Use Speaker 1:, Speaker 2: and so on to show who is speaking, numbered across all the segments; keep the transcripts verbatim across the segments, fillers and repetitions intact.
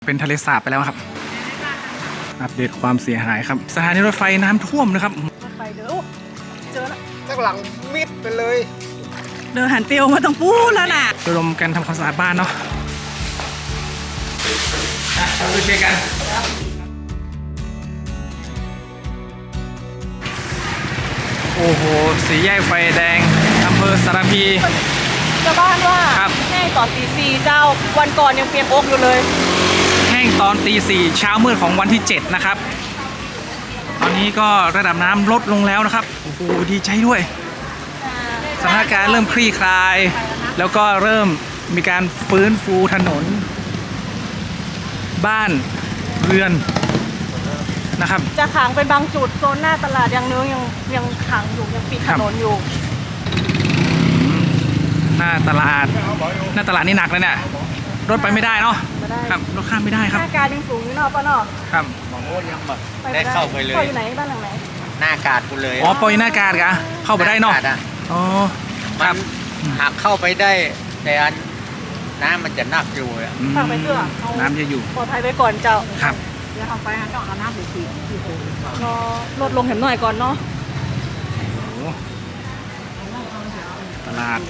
Speaker 1: เป็นทะเลสาบไปแล้วครับอัปเดตความเสียหายครับสถานีรถไฟน้ำท่วมนะครับ
Speaker 2: รถไฟเด้อเจอแล้ว
Speaker 3: ข้างหลังมิดไปเลย
Speaker 2: เดินหันเตียวมาต้องพูดแล้วน่ะ
Speaker 1: ระดมกันทำความสะอาดบ้านเนาะเราไปช่วยกันโอ้โหสีแยกไฟแดงอำเภอสารพี
Speaker 2: ชาวบ้านว่าแห้งตอนตีสี่เจ้าวันก่อนยังเปียกอกอยู่เลย
Speaker 1: แห้งตอนตีสี่เช้ามืดของวันที่เจ็ดนะครับตอนนี้ก็ระดับน้ำลดลงแล้วนะครับโอ้โหดีใจด้วยสถานการณ์เริ่มคลี่คลายแล้วก็เริ่มมีการฟื้นฟูถนนบ้านเรือนนะครับ
Speaker 2: จะขังเป็นบางจุดโซนหน้าตลาดยังเนื้อยังยังขังอยู่ยังปิดถนนอยู่
Speaker 1: หน้าตลาดหน้าตลาดนี่หนักเลยเนี่ยรถไปไม่ได้เนาะครับรถข้ามไม่ได้ครับ
Speaker 2: หน้าการยังสูงอยู่เนาะป้าเนาะ
Speaker 1: ครับ
Speaker 3: มองโอ้ยังแบบได้เข้าไปเลย
Speaker 2: อยู่ไหนบ้านหลังไหน
Speaker 3: หน้ากาดกูเลย
Speaker 1: อ๋อปอยหน้ากาดกะเข้าไปได้เนาะอ๋อครับ
Speaker 3: หากเข้าไปได้แต่อันน้ำมันจะนักอยู่อ่ะ
Speaker 2: ทางไปเตื้อ
Speaker 1: น้ำจะอยู่
Speaker 2: ปลอดภัยไปก่อนเจ้า
Speaker 1: ครับ
Speaker 2: เดี๋ยวทำไปฮะต้องเอาน้ำสีสีรอลดลงเห็นหน่อยก่อนเนาะ
Speaker 1: ตลาด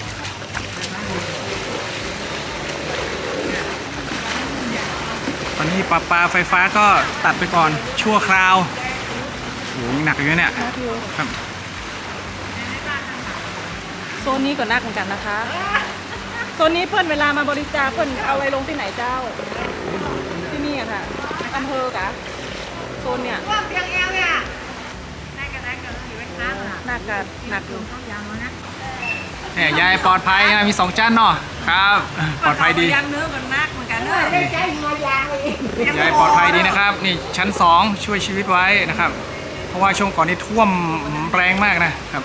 Speaker 1: ตอนนี้ปลาปลาไฟฟ้าก็ตัดไปก่อนชั่วคราวโหยังหนักอยู่เนี่ยครับ
Speaker 2: โซนนี้ก็นักเหมือนกันนะคะโซนนี้เพื่อนเวลามาบริจาคเพื่อนเอาไว้ลงที่ไหนเจ้าที่นี่อะค่ะอำเภอกะโซนเนี่ยเพียงเอวเนี่ยได้กันได้กันอยู่ไว้ข้างอ่ะหนักกันหนักอยู่ต้องยางแล้วนะ
Speaker 1: เนี่ยยายปลอดภัยมีสองชั้นเนาะครับปลอดภัยดี
Speaker 2: ยางเนื้อกันนักเหมือนกันเลย
Speaker 1: ยายปลอดภัยดีนะครับนี่ชั้นสองช่วยชีวิตไว้นะครับเพราะว่าช่วงก่อนนี้ท่วมแรงมากนะครับ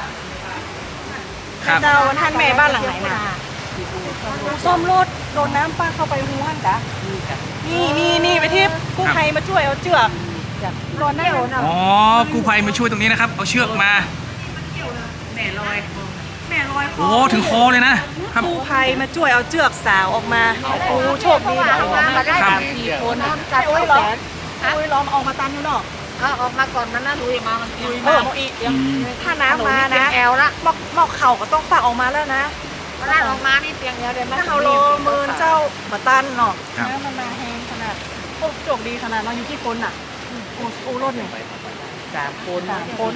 Speaker 2: เจ้าท่านแม่บ้านหลังไหนน่ะส้มรถโดนน้ำป้าเข้าไปหูหันจ้ะนี่นี่นี่ไปที่กู้ภัยมาช่วยเอาเชือกโดนได้โดน
Speaker 1: อ๋อกู้ภัยมาช่วยตรงนี้นะครับเอาเชือกมา
Speaker 2: แม่ลอยแม่ลอย
Speaker 1: โอ้ถึงคอเลยนะครับ
Speaker 2: กู้ภัยมาช่วยเอาเชือกสาวออกมาโอ้โชคดีนะมาได้สี่คนจับโอ้ยล้อมโอ้ยล้อมออกมาตันอยู่เนาะ
Speaker 4: ออกมาก่อนมันน่าลุยมามัน
Speaker 2: ลุยมาอีกถ้าน้ำมานะแอลละหมอกหมอกเข่าก็ต้องฝากออกมาแล้วนะ
Speaker 4: มันน่าออกมานี่เพียงเดียวเดี๋ยวมัน
Speaker 2: ถ้าเขาโลมือเจ้ามาตันเนาะน้ำมันมาแห้งขนาดโอ้โชคดีขนาดเราอยู่ที่คนอ่ะโอ้โอ้รถหนึ่ง
Speaker 4: สามคน
Speaker 2: สามคน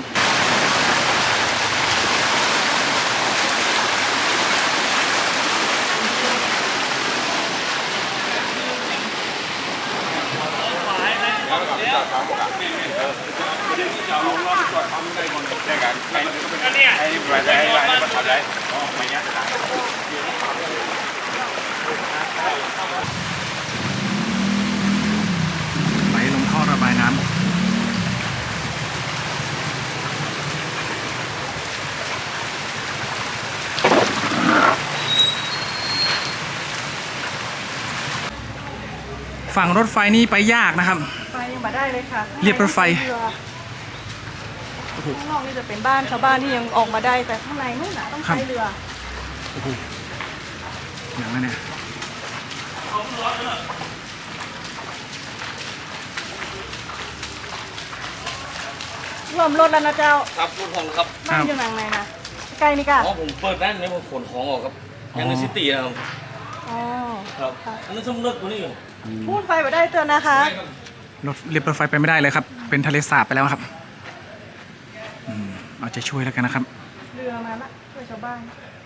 Speaker 1: ไหลลงท่อระบายน้ำฝั่งรถไฟนี่ไปยากนะครับ
Speaker 2: ไปยังมาได้เลยค่ะ
Speaker 1: เรียบรถไฟ
Speaker 2: ข้างนอกนี่จะเป็นบ้านชาวบ้านที่ยังออกมาได้แต่ข้างในนู่นน่ะต้องใช้เรือ
Speaker 1: โอ้โหอย่างนั้นเนี่ย
Speaker 2: รวมรถแล้วนะเจ้า
Speaker 5: ครับรถของครับ
Speaker 2: บ้านอยู่ไหนนะใกล้นี่ก่ะ
Speaker 5: อ๋อผมเปิดร้านนี้ผมขนของออกครับยังในซิตี้นะครับ
Speaker 2: อ๋อ
Speaker 5: ครับอันนั้นสมเลิกตัวนี้
Speaker 2: พูดไฟไปได้เตือนนะคะ
Speaker 1: รถเรียบรถไฟไปไม่ได้เลยครับเป็นทะเลสาบไปแล้วครับเอาใจช่วยแล้วกันนะครับ
Speaker 2: เรือมาละช่วยชาวบ้าน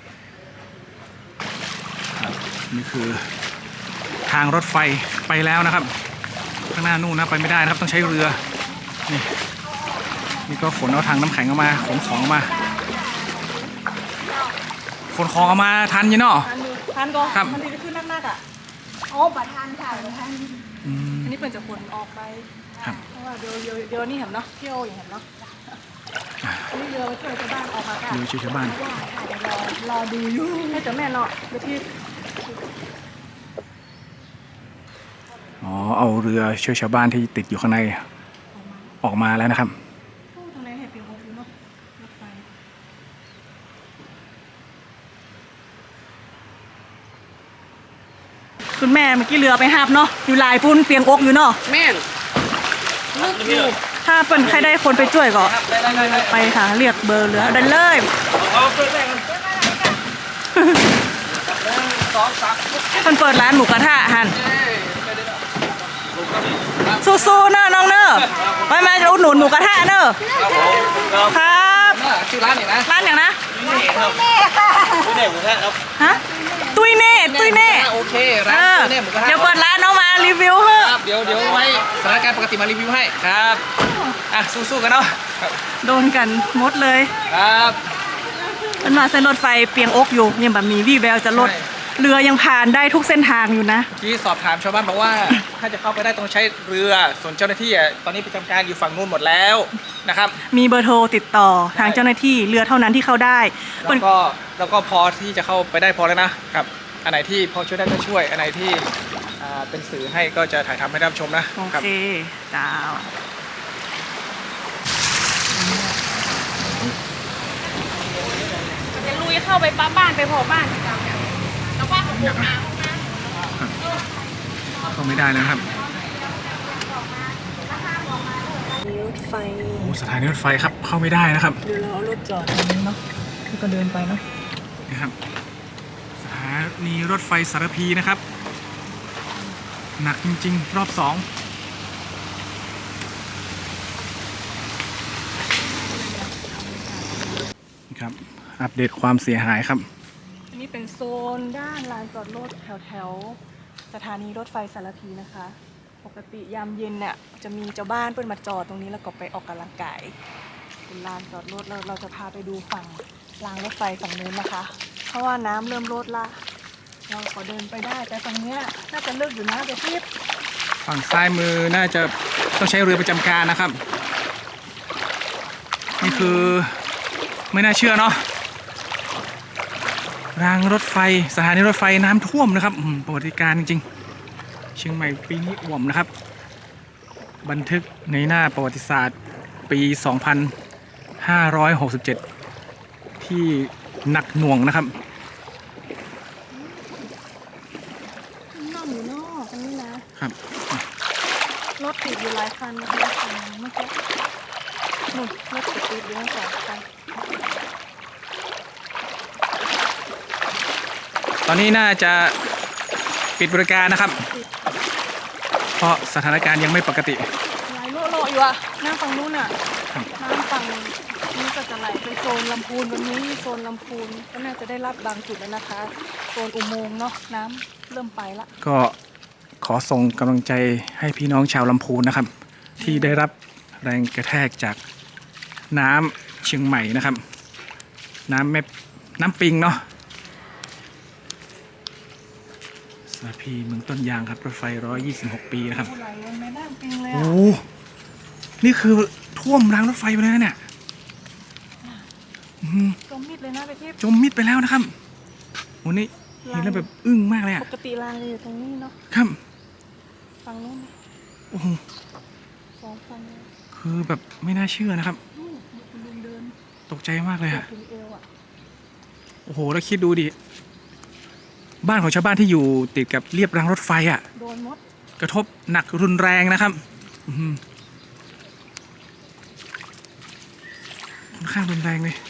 Speaker 1: นี่คือทางรถไฟไปแล้วนะครับข้างหน้านู่นนะไปไม่ได้นะครับต้องใช้เรือนี่นี่ก็ขนเอาทางน้ำแข็งออกมาขนของออกมาขนของออกมาทันยี่เนาะ
Speaker 2: ทันก็
Speaker 1: ครับ
Speaker 2: มันดีขึ้นนักๆอ่ะโอ้บัตรทันค่ะบัตรทันอันนี้เป็นจะขนออกไปเพราะว่าเดี๋ยวเดี๋ยวนี่เห็นเนาะเที่ยวอย่างเห็นเนาะนี่เรือช่วยชาวบ้านออกมาค่ะ
Speaker 1: เรือช่วยชาวบ้าน
Speaker 2: รอรอดูอยู่ให้เจ้าแม่เนาะเดี๋ยวพี่
Speaker 1: อ๋อเอาเรือช่วยชาวบ้านที่ติดอยู่ข้างในออกมาแล้วนะครับ
Speaker 2: ตรงไหนเห็นเป็นโฮมเนาะรถไฟ คุณแม่เมื่อกี้เรือไปหาบเนาะอยู่หลายปุ้นเปียงอกอยู่เนาะ
Speaker 4: แม่นลึกอยู่
Speaker 2: ถ้าเปิ้นใครได้คนไปช่วยก็
Speaker 1: ได้ได้ได้
Speaker 2: ไปค่ะเรียกเบอร์เรือได้เลย
Speaker 1: เอาเปิดได้กันสองสาม
Speaker 2: เพิ่นเปิดร้านหมูกระทะหันสู้ๆเนอะน้องเนอะไปมาอุดหนุนหมูกระทะเนอะ
Speaker 1: ครับผมครับ
Speaker 2: ครับ
Speaker 1: ชื่อร้านอย่างนะ
Speaker 2: ร้านอย่างนะ
Speaker 5: นี่เด็กผมแค่ครับ
Speaker 2: ฮะตุ้ยเน่ตุ้ยเน่
Speaker 1: โอเค
Speaker 2: เอ
Speaker 1: ร้าน
Speaker 2: อ
Speaker 1: เนี่ยหมูกระทะ
Speaker 2: เดี๋ยวเปิดร้านน้องมารีวิวเฮ้อะ
Speaker 1: ครับเดี๋ยวเดี๋ยวไว้สถานการณ์ปกติมารีวิวให้ครับอ่ะสู้ๆกันเนาะครับ
Speaker 2: โดนกันหมดเลย
Speaker 1: ครับ
Speaker 2: มันมาเส้นรถไฟเปียงอกอยู่ยังแบบมีวี่แววจะลด
Speaker 1: ใช่
Speaker 2: เรือยังผ่านได้ทุกเส้นทางอยู่นะ
Speaker 1: ที่สอบถามชาวบ้านบอกว่า ถ้าจะเข้าไปได้ต้องใช้เรือส่วนเจ้าหน้าที่อ่ะตอนนี้ประจำการอยู่ฝั่งนู้นหมดแล้วนะครับ
Speaker 2: มีเบอร์โทรติดต่อทางเจ้าหน้าที่เรือเท่านั้นที่เข้าได้
Speaker 1: แล้วก็แล้วก็พอที่จะเข้าไปได้พอแล้วนะครับอันไหนที่พอช่วยได้ก็ช่วย อันไหนที่อ่าเป็นสื่อให้ก็จะถ่ายทำให้รับชมนะ
Speaker 2: โอ
Speaker 1: ครับ
Speaker 2: เคจ้าวจะลุยเข้าไปป้าบ้านไปพอบ้านจ้าแล้วว่าของผมมา
Speaker 1: เข้าไม่ได้แล้วครับ
Speaker 2: รถไฟ
Speaker 1: โอ้สถานีรถไฟครับเข้าไม่ได้นะครับ
Speaker 2: เดี๋ยวเราเอารถจอดตรงนี้เนาะแล้วก็เดินไปเนาะ
Speaker 1: นะครับสถานีรถไฟสารพีนะครับ หนักจริงๆ รอบสองครับอัปเดตความเสียหายครับ
Speaker 2: อันนี้เป็นโซนด้านลานจอดรถแถวแถวๆสถานีรถไฟสารพีนะคะ ปกติยามเย็นเนี่ยจะมีเจ้าบ้านเปิ้นมาจอดตรงนี้แล้วก็ไปออกกำลังกายเป็นลานจอดรถเราเราจะพาไปดูฝั่งรางรถไฟฝั่งนู้นนะคะ เพราะว่าน้ำเริ่มลดละเราขอเดินไปได้แต่ฝั่งเนี้ยน่าจะเลิกอยู่นะเดี๋ยวพี่
Speaker 1: ฝั่งซ้ายมือน่าจะต้องใช้เรือประจำการนะครับ นี่คือไม่น่าเชื่อเนาะรางรถไฟสถานีรถไฟน้ำท่วมนะครับอืมประวัติการณ์จริงๆเชียงใหม่ปีนี้อ่วมนะครับ บันทึกในหน้าประวัติศาสตร์ปี สองพันห้าร้อยหกสิบเจ็ด ที่หนักหน่วงนะครับ
Speaker 2: นั่งอยู่นอกตรงนี้นะครับ รถติดอยู่หลายคันนะคะฝั่งเมื่อกี้นู่นรถติดติดอยู่ทั้งสองคัน
Speaker 1: ตอนนี้น่าจะปิดบริการนะครับ เพราะสถานการณ์ยังไม่ปกติ
Speaker 2: ไหลโลโลอยู่อะน้ำฝั่งนู้นอะ
Speaker 1: ครับ
Speaker 2: น้ำฝั่งนี้ก็จะไหลไปโซนลำพูนวันนี้โซนลำพูนก็น่าจะได้รับบางจุดแล้วนะคะ โซนอุโมงค์เนาะน้ำเริ่มไปละ
Speaker 1: ก็ขอส่งกำลังใจให้พี่น้องชาวลำพูนนะครับ ที่ได้รับแรงกระแทกจากน้ำเชียงใหม่นะครับ น้ำแม่น้ำปิงเนาะสารพีเมืองต้นยางครับรถไฟหนึ่งร้อยยี่สิบหกปีนะครับ
Speaker 2: ไหลลงแม่น้ำปิงเลย
Speaker 1: โอ้
Speaker 2: อะ
Speaker 1: นี่คือท่วมรางรถไฟไปเลยนะเนี่ยอื้อหือ
Speaker 2: จมมิดเลยนะไปที่
Speaker 1: จมมิดไปแล้วนะครับโอ้นี่เห็นแล้วแบบอึ้งมากเลย
Speaker 2: ป
Speaker 1: อะ
Speaker 2: กติรางจะอยู่ตรงนี้เนาะ
Speaker 1: ครับ
Speaker 2: ฝั่งนู้น
Speaker 1: โอ้โห
Speaker 2: สองฝั่งเลย
Speaker 1: คือแบบไม่น่าเชื่อนะครับ
Speaker 2: นู่นคุณลุงเดิน
Speaker 1: ตกใจมากเลยอะ
Speaker 2: ถึงเอวอะ
Speaker 1: โอ้โห แล้วคิดดูดิ บ้านของชาวบ้านที่อยู่ติดกับเรียบรางรถไฟอ่ะ
Speaker 2: โดนมด
Speaker 1: กระทบหนักรุนแรงนะครับอื้อหือค่อนข้างรุนแรงเลย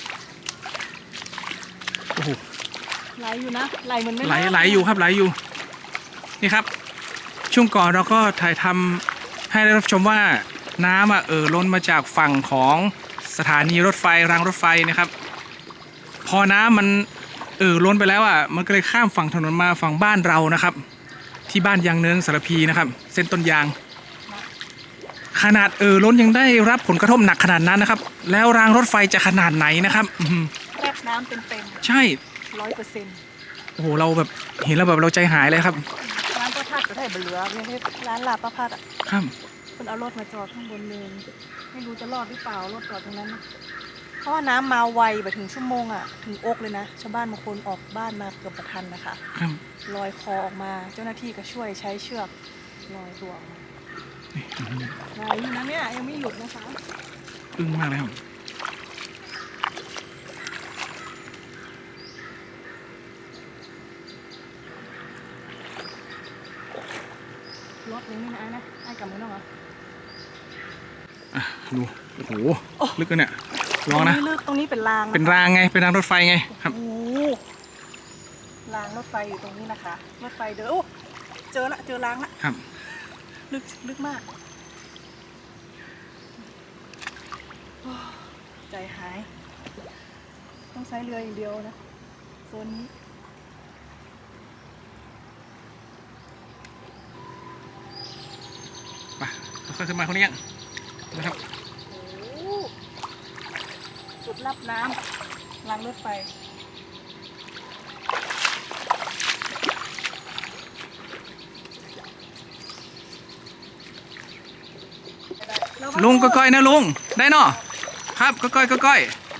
Speaker 1: โอ้โห
Speaker 2: ไหลอยู่นะไหลเหมือนไม่
Speaker 1: ไหลไหลอยู่ครับไหลอยู่ นี่ครับ ช่วงก่อนเราก็ถ่ายทำให้ได้รับชมว่าน้ำอ่ะเออล้นมาจากฝั่งของสถานีรถไฟรางรถไฟนะครับ พอน้ำมันเออล้นไปแล้วอ่ะมันก็เลยข้ามฝั่งถนนมาฝั่งบ้านเรานะครับ ที่บ้านยางเนิงสารพีนะครับ เส้นต้นยาง ขนาดเออล้นยังได้รับผลกระทบหนักขนาดนั้นนะครับ แล้วรางรถไฟจะขนาดไหนนะครับอื้อหือ
Speaker 2: แรบน้ำเต็ม
Speaker 1: ใช่
Speaker 2: ๆร้อยเปอร์เซ็นต์
Speaker 1: โอ้โหเราแบบเห็นแล้วแบบเราใจหายเลยครับ
Speaker 2: ร้านประพัดก็ได้เบลือไม่ใช่ร้านลาบประพัดอ่ะ
Speaker 1: ครับ
Speaker 2: คุณเอารถมาจอดข้างบนเนินไม่รู้จะรอดหรือเปล่ารถจอดตรงนั้นนะเพราะว่าน้ำมาไวแบบถึงชั่วโมงอ่ะถึงอกเลยนะชาวบ้านบางคนออกบ้านมาเกือบประทันนะคะ
Speaker 1: ครับ
Speaker 2: ลอยคอออกมาเจ้าหน้าที่ก็ช่วยใช้เชือกลอยตัวออกมา
Speaker 1: นี่อื้อหือ
Speaker 2: ไหลอยู่นะเนี่ยยังไม่หยุดนะคะ
Speaker 1: อึ้งมากเลยครับ
Speaker 2: อย่างนี้นะนะไอ้กับมือน้องเหรอ
Speaker 1: อ่ะดูโอ้โหลึกเลยเนี่ยลองนะ
Speaker 2: ตรงนี้ลึกตรงนี้เป็นรางะคะ
Speaker 1: เป็นรางไงเป็นรางรถไฟไงครับ
Speaker 2: โอ้โหรางรถไฟอยู่ตรงนี้นะคะรถไฟเด้อโอ้เจอละเจอรางละ
Speaker 1: ครับ
Speaker 2: ลึกลึกมากโอ้ใจหาย ต้องใช้เรืออย่างเดียวนะโซนนี้
Speaker 1: ไปค่อยๆขึ้นมาคนนี้ยังนะครับ
Speaker 2: โอ้โหจุดรับน้ำรางรถไฟระวั
Speaker 1: ลุงก็ก้อยนะลุงได้เนาะครับก็ก้อยก็ก้อย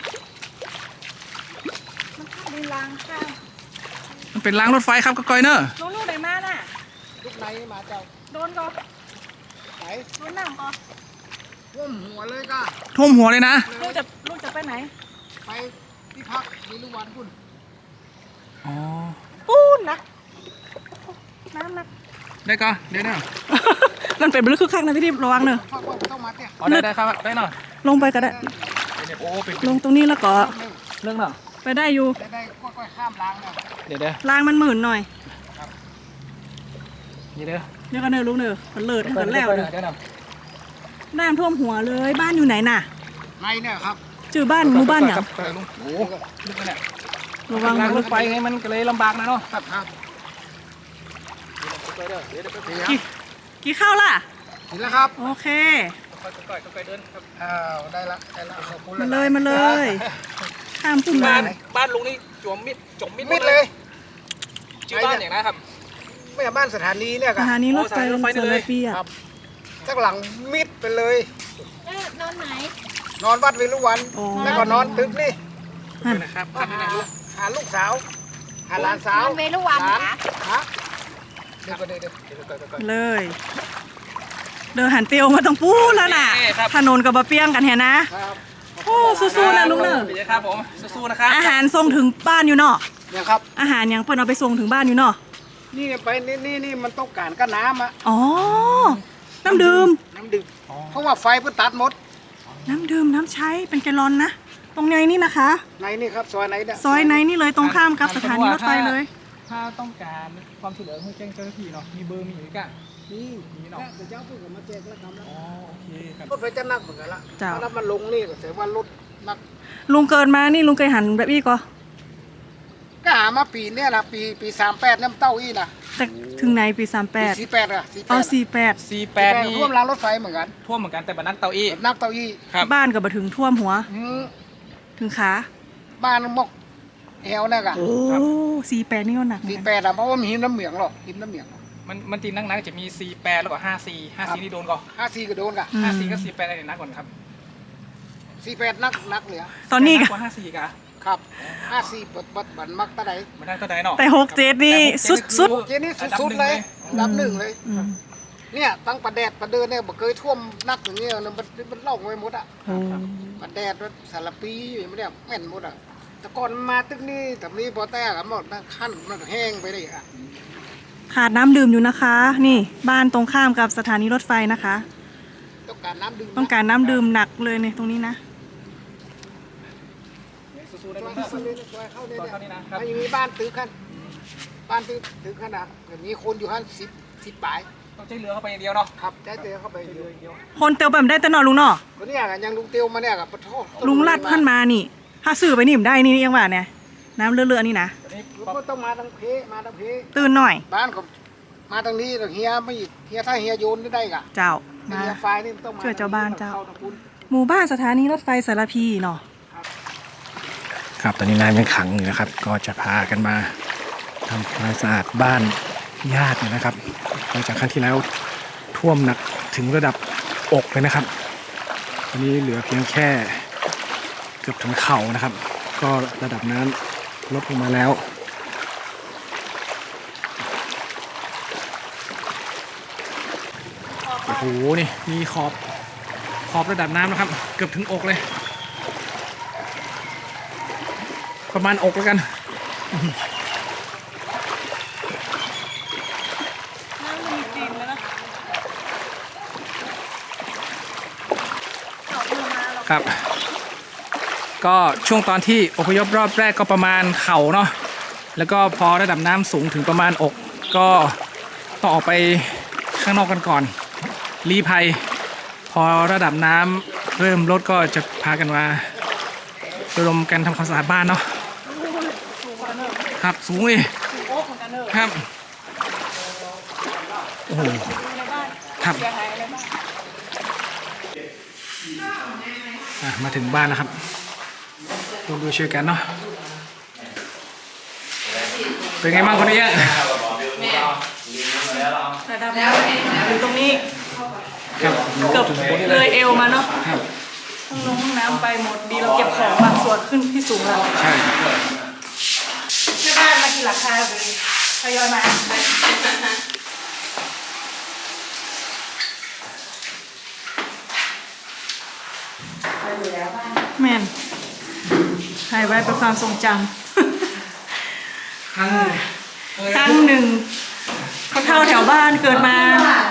Speaker 2: มันเข้าในรางข้าง
Speaker 1: มันเป็นรางรถไฟครับก็ก้อยเนอะ
Speaker 2: ลูกลูกไหนมาน่ะ
Speaker 3: ลูกไหนมาเจ้า
Speaker 2: โดนก็
Speaker 3: ไหน
Speaker 2: โดนน้ำก็
Speaker 3: ท่วมหัวเลยก็
Speaker 1: ท่วมหัวเลยนะ
Speaker 2: ลูกจะลูกจะไปไหน
Speaker 3: ไปที่พักมีลูกวันคุณ
Speaker 1: อ๋อ
Speaker 2: ปูนนะน้ำนะ
Speaker 1: ได้ก็เดี๋ยวเนาะ
Speaker 2: มันเป็นบลึกคึกคักนะพี่ทิพย์ระวังเนอะ
Speaker 3: พักว่าต้องมาเนี่ย
Speaker 1: อ๋อได้ได้ครับได้เนาะ
Speaker 2: ลงไปก็ได้
Speaker 1: โอ้เป็น
Speaker 2: ลงตรงนี้แล้วก็
Speaker 1: เรื่องเนาะ
Speaker 2: ไปได้อยู่
Speaker 3: จะได้ค่อยๆข้ามรางเนี่ย
Speaker 1: เดี๋ยวเดี๋ยว
Speaker 2: รางมันหมื่นหน่อย
Speaker 1: เดี๋ยวเดี๋ยว
Speaker 2: เดี๋ยวกันเนอะลูกเนอะมันเลิศให้มันแล้ว
Speaker 1: เดี๋
Speaker 2: เน
Speaker 1: ยว
Speaker 2: อะ
Speaker 1: เดี๋ยวเนาะ
Speaker 2: น้ำท่วมหัวเลยบ้านอยู่ไหนน่ะ
Speaker 3: ในเนี่ยครับ
Speaker 2: ชื่อบ้านหมู่บ้านอย่าง
Speaker 1: ครับลุงโอ้ลึกเลยเนี่ย
Speaker 2: ระวัง
Speaker 1: ราง
Speaker 2: นะ
Speaker 1: รถไฟไงมันก็เลยลำบากนะเนาะ
Speaker 3: ครับครับ
Speaker 2: กี่กี่เข้าล่ะ
Speaker 3: เห็นแล้วครับ
Speaker 2: โอเค
Speaker 1: ก็ก้อยก็ก้อยเดินครับ
Speaker 3: อ้าวได้ละได้ละขอบคุณ
Speaker 2: มาเลยมาเลยข้ามพุ่ม
Speaker 1: บ้า
Speaker 2: บ้าน น
Speaker 1: บ้านลุงนี่จมมิดจมมิด
Speaker 3: มิดเลย
Speaker 1: ชื่อบ้านอย่างนะครับ
Speaker 3: ไม่ใช่บ้านสถานีเนี่ย
Speaker 2: ส
Speaker 3: ค่ะ
Speaker 2: ถานีรถไฟ
Speaker 1: โอ้สถานีรถไฟ
Speaker 2: เจอ
Speaker 1: เลย
Speaker 2: ปีอ่ะ
Speaker 3: ครับจากหลังมิดไปเลย
Speaker 4: นอนไหน
Speaker 3: นอนวัดเวรุวัน
Speaker 2: โอ้
Speaker 3: แล้วก็นอนตึกนี่
Speaker 2: นั่น
Speaker 1: นะครับ
Speaker 3: หาหาลูกสาว หาหลานสาว
Speaker 4: นอนเวรุวัน
Speaker 3: หลาน
Speaker 4: ค่ะ
Speaker 3: ฮะเดี๋ยวก็เดี๋ยวเดี๋ยวเดี๋ยวเดี๋ยวเดี๋ยว
Speaker 2: เลย เดินหันเตียวมาตรงปูแล้วน่ะถนนกับบะเปียงกันแฮนะ
Speaker 3: ครับ
Speaker 2: โอ้สู้ๆนะลุงเนอะ
Speaker 1: ดีครับผมสู้ๆนะครับ
Speaker 2: อาหารส่งถึงบ้านอยู่เนาะ
Speaker 3: เนี่ยครับ
Speaker 2: อาหารยังเพิ่นเอาไปส่งถึงบ้านอยู่เนาะ
Speaker 3: นี่ไปนี่นี่นี่มันต้องการก็น้ำอะ
Speaker 2: อ๋อ น้ำดื่ม
Speaker 3: น้ำดื่มเพราะว่าไฟเพิ่งตัดหมด
Speaker 2: น้ำดื่มน้ำใช้เป็นแกลลอนนะ ตรงในนี่นะคะ
Speaker 3: ในนี่ครับซอยไหนเนี่ย
Speaker 2: ซอยในนี่เลยตรงข้ามกับสถานีรถไฟเลย
Speaker 1: ถ้าต้องการความช่วยเหลือให้แจ้งเจ้าหน้าที่เนาะมีเบอร์มีอยู่กัน
Speaker 3: นี่
Speaker 1: มีเนาะ
Speaker 3: แต่เจ้าเพิ่งมาแจกแล้วทำแล้ว
Speaker 1: อ๋อโอเคครับ
Speaker 3: รถไฟจะนักเหมือนกันละ
Speaker 2: เจ้า
Speaker 3: ถ้ามันลงนี่ก็ถือว่ารถนัก
Speaker 2: ลุงเกินมานี่ลุงเคยหันแบบนี้ก็
Speaker 3: ก็หามาปีเนี่ยนะปีปีสามแปดน้ำเต้าอี้นะ
Speaker 2: แต่ถึงไหนปีสามแป
Speaker 3: ปี
Speaker 2: ด
Speaker 3: สี่แปดอะสี่แป
Speaker 2: อ๋อ
Speaker 3: ด
Speaker 2: สี่แปด
Speaker 1: สี่แปดนี่
Speaker 3: ท่วมรางรถไฟเหมือนกัน
Speaker 1: ท่วมเหมือนกันแต่บันนักเตาอี้
Speaker 3: นักเต้าอี้
Speaker 1: ครับ
Speaker 2: บ้านกับมาถึงท่วมหัว
Speaker 3: อืม
Speaker 2: ถึงขา
Speaker 3: บ้านมกแอวเนี่ยกะ
Speaker 2: โอ้สี่แปดนี่ก็หนักเหมื
Speaker 3: สี่
Speaker 2: อน
Speaker 3: แป
Speaker 2: กัน
Speaker 3: ดอะเพราะว่ามีหินน้ำเหมืองหรอกหินน้ำเหมือง
Speaker 1: มันมันตีนักนักจะมีสี่แปดแล้วก็ห้าสี่ห้าสี่นี่โดนก่อน
Speaker 3: ห้าสี่ก็โดนกะ
Speaker 2: อืม
Speaker 1: ห้าสี่ก็สี่แปดอะไรนักก่อนครับ
Speaker 3: สี่แปดนักนักเหลือ
Speaker 2: ตอนนี้
Speaker 1: แต่
Speaker 2: ก็
Speaker 1: กว่าห้าสี่กะ
Speaker 3: ครับห้าสี่บดบดบันมักตะได
Speaker 1: มันได้เท่าใดเนาะ
Speaker 2: แต่หกเจ็ดนี่สุดสุด
Speaker 3: เจนี่สุดๆเลยอันดับหนึ่งเลย
Speaker 2: อืม
Speaker 3: เนี่ยตั้งประแดดประเดินเนี่ยบ่เคยท่วมนักอย่างเงี้ยนะมันมันเล่าไว้หมดอะ
Speaker 2: โอ้
Speaker 3: ประแดดมันสารปีอยู่อย่างเงี้ยแม่นหมดอะแต่ก่อนมาตึกนี้แต่นี้พอแต่กันหมดนะขั้นมันแห้งไปเลยอะ
Speaker 2: ขาดน้ำดื่มอยู่นะคะ นี่บ้านตรงข้ามกับสถานีรถไฟนะคะ
Speaker 3: ต้องการน้ำดื่มนะ
Speaker 2: ต้องการน้ำดื่มหนักเลยเนี่ยตรงนี้นะ
Speaker 1: สู้ๆได้
Speaker 3: ซ
Speaker 1: ไหม
Speaker 3: อย
Speaker 1: ครับ
Speaker 3: เข้าเลยนะซอยเข้าเลย
Speaker 1: ซอยเข้านี่
Speaker 3: เนี่ย
Speaker 1: นะครับ
Speaker 3: มันยังมีบ้านตึกขั้นบ้านตึกตึกขนาดแบบมีคนอยู่ขั้นสิบสิบปลาย
Speaker 1: ต้องใช้เรือเข้าไปอย่างเดียวเนาะ
Speaker 3: ครับได้เตะเข้าไปอ
Speaker 1: เรื
Speaker 3: ยู่
Speaker 1: ออย่างเดียว
Speaker 2: คนเตียวแบบได้แต่นอนลุงเนาะ
Speaker 3: คนเนี้ยกันยังลุงเตียวมาเนี่ยกับปะโทษ
Speaker 2: ลุงลัดขึ้นมานี่ ถ้าซื้อไปนี่มได้นี่ยังว่าเนี่ยน้ำเลือดๆนี่นะ
Speaker 1: ตอนนี้
Speaker 3: ก็ต้องมาทางเพมาทางเพ
Speaker 2: ตื่นหน่อย
Speaker 3: บ้านก็มาทางนี้เฮียไม่เฮียถ้าเฮียโยนได้กะ
Speaker 2: เจ้า
Speaker 3: เฮี
Speaker 2: มาย
Speaker 3: ไฟนี่ต้องมา
Speaker 2: ช่วยเจ้าบ้านเจ้า
Speaker 3: ข้ทงคุณ
Speaker 2: หมู่บ้านสถานีรถไฟสารพีเนาะ
Speaker 1: ครับตอนนี้น้ำยังขังอยู่นะครับ ก็จะพากันมาทำความสะอาดบ้านญาตินะครับหลังจากครั้งที่แล้วท่วมหนักถึงระดับอกเลยนะครับตอนนี้เหลือเพียงแค่เกือบถึงเข่านะครับ ก็ระดับน้ำลดลงมาแล้วโอ้โหนี่มีขอบขอบระดับน้ำนะครับ เกือบถึงอกเลย ประมาณอกแล้วกัน
Speaker 2: น้ำมันจริงแล้วนะ
Speaker 1: ครับ ก็ช่วงตอนที่อพยพรอบแรกก็ประมาณเข่าเนาะแล้วก็พอระดับน้ำสูงถึงประมาณอกก็ต้องออกไปข้างนอกกันก่อนลี้ภัย พอระดับน้ำเริ่มลดก็จะพากันมาระดมกันทำความสะอาดบ้านเนาะ
Speaker 2: สูงกว่าเนอะ
Speaker 1: ครับสูงเลย
Speaker 2: สูงโอ๊กเหมือนกันเนอะ
Speaker 1: ครับโอ้โห
Speaker 2: ดูในบ้าน
Speaker 1: ครับ
Speaker 2: เสียหายอะไรบ้าง
Speaker 1: อ่ะมาถึงบ้านแล้วครับดูดูช่วยกันเนาะเป็นไงบ้างคนนี้
Speaker 2: ระดับน้ำอยู่ตรงนี้
Speaker 1: ครับ
Speaker 2: เกือบ
Speaker 1: ถึงบนนี้
Speaker 2: เล
Speaker 1: เลย
Speaker 2: ยเอวมาเนาะ
Speaker 1: ครับ
Speaker 2: ห้องลงห้องน้ำไปหมดดีเราเก็บของบางส่วนขึ้นที่สูงแล้ว
Speaker 1: ใช่
Speaker 2: แม่บ้านมากี่หลังคาเลยทยอยมาแม่นถ่ายไว้เป็นความทรงจำ
Speaker 1: ครั้ง
Speaker 2: ครั้งหนึ่งคนเฒ่าแถวบ้านเกิดมา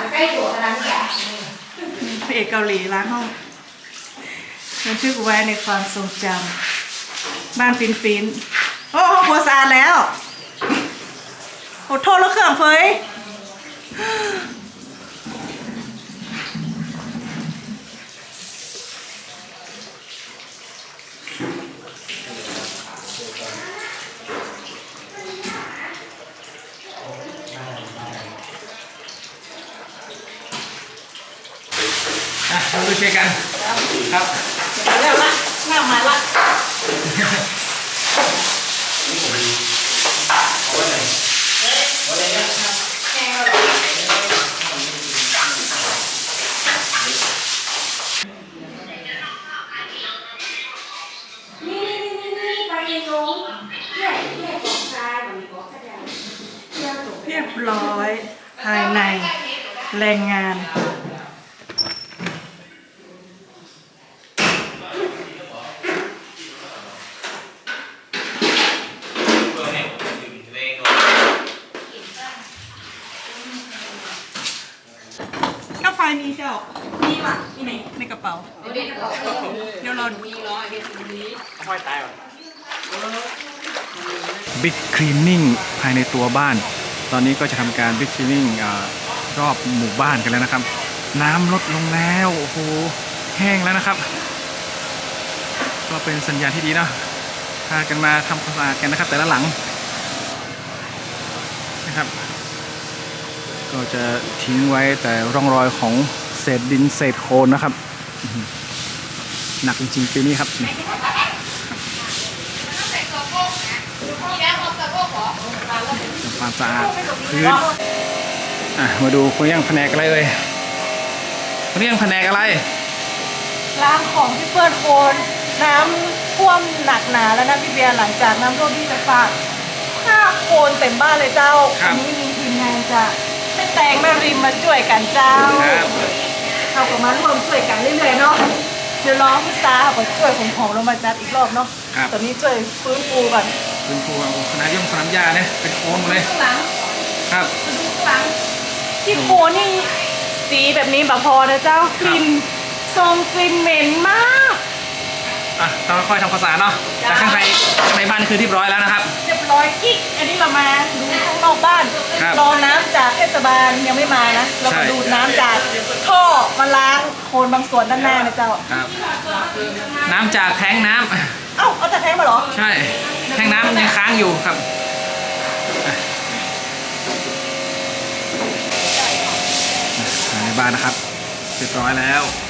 Speaker 2: พระเอกเกาหลีล้างห้องบันทึกไว้ในความทรงจำบ้านฟินฟินโอ้ห้องครัวสะอาดแล้วโอ้โทษแล้วเครื่องเฟย
Speaker 1: อ่ะเราดูช่วยกันครับ
Speaker 2: มาแล้วละหน้ามาละเรียบร้อยภายในแรงงานก็ไฟมีเจ้ามีว่ะมีไหนในกระเป๋า เดี๋ยวเรา
Speaker 1: บิ๊กคลีนนิ่งภายในตัวบ้าน ตอนนี้ก็จะทำการบิ๊กคลีนนิ่งรอบหมู่บ้านกันแล้วนะครับ น้ำลดลงแล้วโอ้โหแห้งแล้วนะครับ ก็เป็นสัญญาณที่ดีเนาะพากันมาทำความสะอาดกันนะครับ แต่ละหลังนะครับ ก็จะทิ้งไว้แต่ร่องรอยของเศษดินเศษโคลนนะครับอื้อหือหนักจริงๆปีนี้ครับนี่ความสะอาดพื้นอ่ะมาดูคนย่างแผนกอะไรเลยคนย่างแผนกอะไร
Speaker 2: ล้างของที่เปื้อนโคลนน้ำท่วมหนักหนาแล้วนะพี่เบียร์หลังจากน้ำท่วมที่ไฟฟ้าข้าโคลนเต็มบ้านเลยเจ้า
Speaker 1: ครับ
Speaker 2: อันนี้มีทีมงานจะแม่แตงแม่ริมมาช่วยกันเจ้า
Speaker 1: ครับ
Speaker 2: เขาก็มาร่วมช่วยกันเรื่อยๆเนาะเดี๋ยวรอพี่ตาเขาช่วยผมของลงมาจัดอีกรอบเนาะ
Speaker 1: ครับ
Speaker 2: ตอนนี้ช่วยฟื้นฟูก่อน
Speaker 1: เป็นครูเอาสนามย่อมสนามหญ้าเนี่ยเป็นโค้งหมดเลย
Speaker 2: ข้างหลัง
Speaker 1: ครับ
Speaker 2: มาดูข้างหลังที่โคนี่สีแบบนี้แบบพอนะเจ้ากลิ่นทรงกลิ่นเหม็นมาก
Speaker 1: อ่ะต้องค่อยๆทำความสะอาดเนาะแต่ข้างในข้างในบ้านคือเรียบร้อยแล้วนะครับ
Speaker 2: เรียบร้อยกิ๊กอันนี้เรามาดูข้างนอกบ้าน
Speaker 1: ครับ
Speaker 2: รอน้ำจากเทศบาลยังไม่มานะ เรา
Speaker 1: ใช่
Speaker 2: มาดูดน้ำจากท่อมาล้างโคลนบางส่วนด้านหน้านะเจ้า
Speaker 1: ครับ น้ำจากแท้งน้ำ
Speaker 2: เอ้าเอาแต่แท้งมาเหรอ
Speaker 1: ใช่ แท้งน้ำยังค้างอยู่ครับอ่ะในบ้านนะครับเรียบร้อยแล้ว